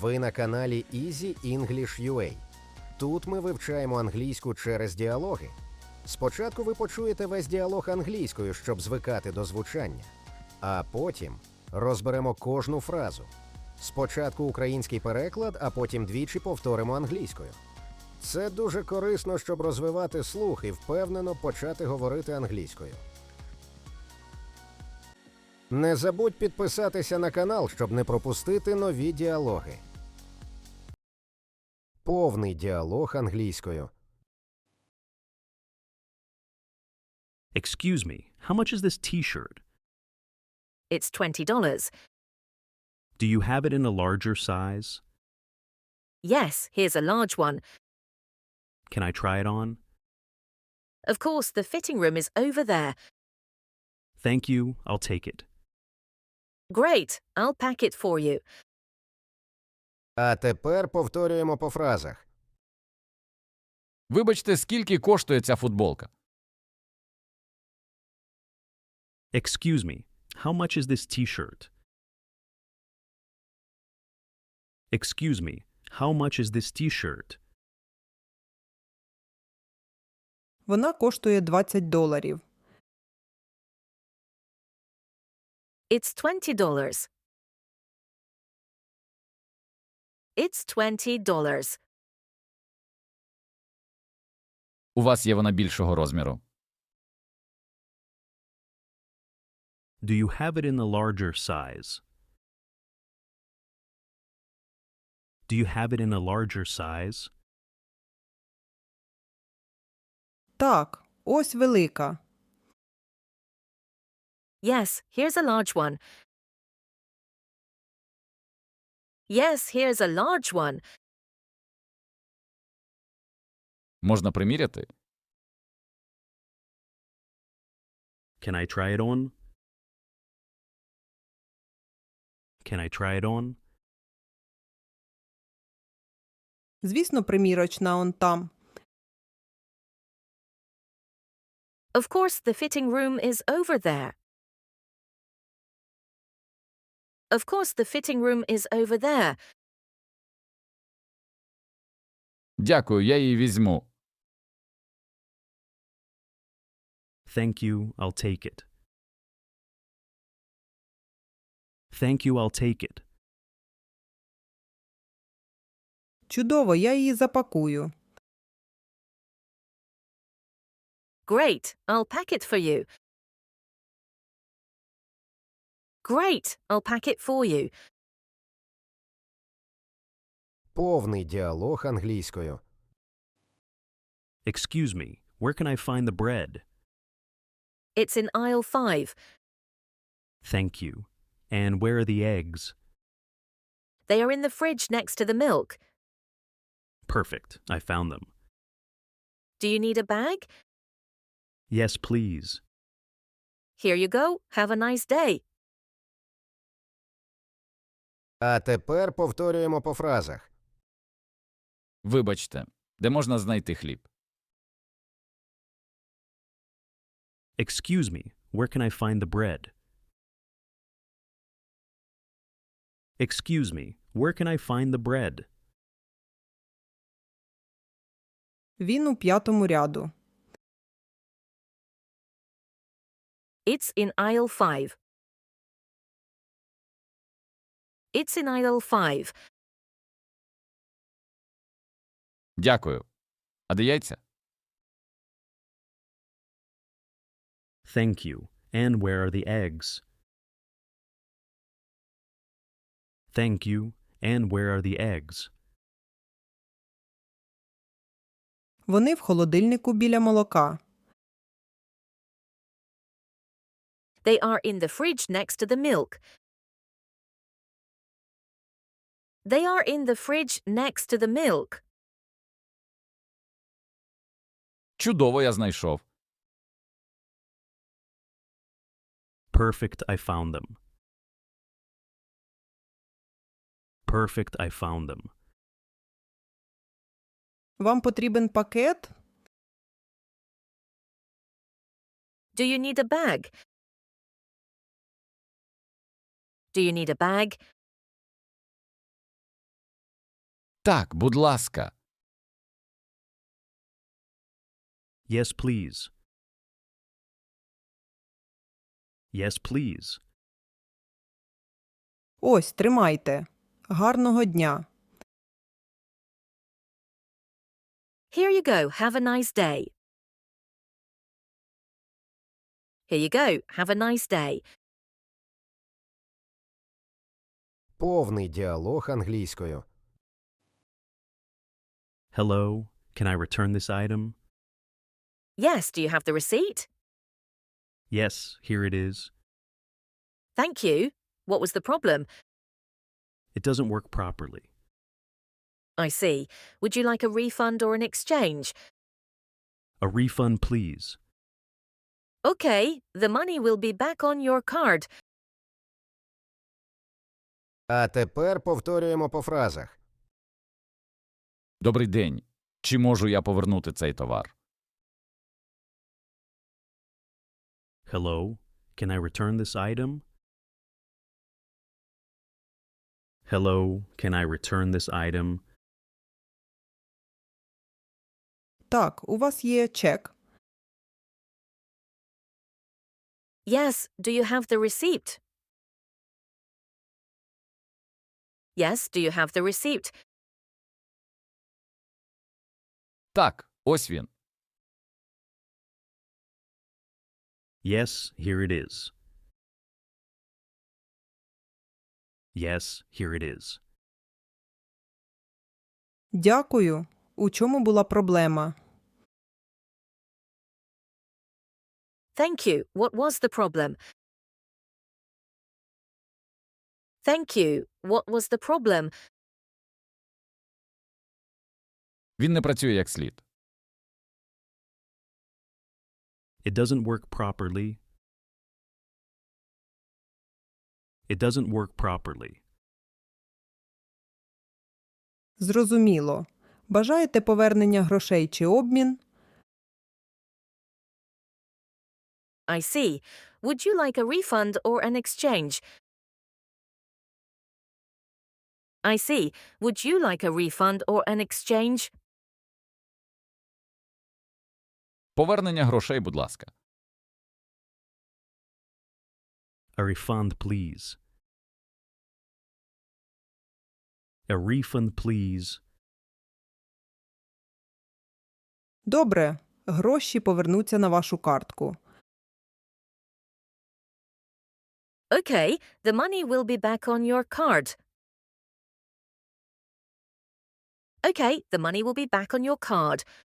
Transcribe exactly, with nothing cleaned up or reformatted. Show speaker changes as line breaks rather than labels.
Ви на каналі Easy English ю ей. Тут ми вивчаємо англійську через діалоги. Спочатку ви почуєте весь діалог англійською, щоб звикати до звучання. А потім розберемо кожну фразу. Спочатку український переклад, а потім двічі повторимо англійською. Це дуже корисно, щоб розвивати слух і впевнено почати говорити англійською. Не забудь підписатися на канал, щоб не пропустити нові діалоги. Повний діалог англійською.
Excuse me, how much is this t-shirt?
It's twenty dollars.
Do you have it in a larger size?
Yes, here's a large one.
Can I try it on?
Of course, the fitting room is over there.
Thank you, I'll take it.
Great, I'll pack it for you.
А тепер повторюємо по фразах.
Вибачте, скільки коштує ця футболка?
Excuse me, how much is this t-shirt? Excuse me, how much is this t-shirt?
Вона коштує двадцять доларів.
It's twenty dollars. It's twenty dollars.
У вас є вона більшого розміру.
Do you have it in a larger size? Do you have it in a larger size?
Так, ось велика.
Yes, here's a large one. Yes, here's a large one.
Можна приміряти?
Can I try it on? Can I try it on?
Звісно, примірочна он там.
Of course, the fitting room is over there. Of course, the fitting room is over there.
Дякую, я її візьму.
Thank you, I'll take it. Thank you, I'll take it.
Чудово, я її запакую.
Great, I'll pack it for you. Great, I'll pack it for you.
Повний діалог англійською.
Excuse me, where can I find the bread?
It's in aisle five.
Thank you. And where are the eggs?
They are in the fridge next to the milk.
Perfect, I found them.
Do you need a bag?
Yes, please.
Here you go. Have a nice day.
А тепер повторюємо по фразах.
Вибачте, де можна знайти хліб?
Excuse me, where can I find the bread? Excuse me, where can I find the bread?
Він у п'ятому ряду.
It's in aisle five. It's in aisle five.
Дякую. А де яйця?
Thank you. And where are the eggs? Thank you. And where are the eggs?
Вони в холодильнику біля молока.
They are in the fridge next to the milk. They are in the fridge next to the milk.
Чудово, я знайшов.
Perfect, I found them. Perfect, I found them.
Вам потрібен пакет?
Do you need a bag? Do you need a bag?
Так, будь ласка.
Yes, please. Yes, please.
Ось, тримайте. Гарного дня.
Here you go. Have a nice day. Here you go. Have a nice day.
Повний діалог англійською.
Hello, can I return this item?
Yes, do you have the receipt?
Yes, here it is.
Thank you. What was the problem?
It doesn't work properly.
I see. Would you like a refund or an exchange?
A refund, please.
Okay, the money will be back on your card.
А тепер повторюємо по фразах.
Добрий день. Чи можу я повернути цей товар?
Hello, can I return this item? Hello, can I return this item?
Так, у вас є чек.
Yes, do you have the receipt? Yes, do you have the receipt?
Так, ось він.
Yes, here it is. Yes, here it is.
Дякую. У чому була проблема?
Thank you. What was the problem? Thank you. What was the problem?
Він не працює як слід.
It doesn't work properly. It doesn't work properly.
Зрозуміло. Бажаєте повернення грошей чи обмін?
I see. Would you like a refund or an exchange? I see. Would you like a refund or an exchange?
Повернення грошей, будь ласка.
A refund, please. A refund, please.
Добре. Гроші повернуться на вашу картку.
Okay, the money will be back on your card. Okay, the money will be back on your card.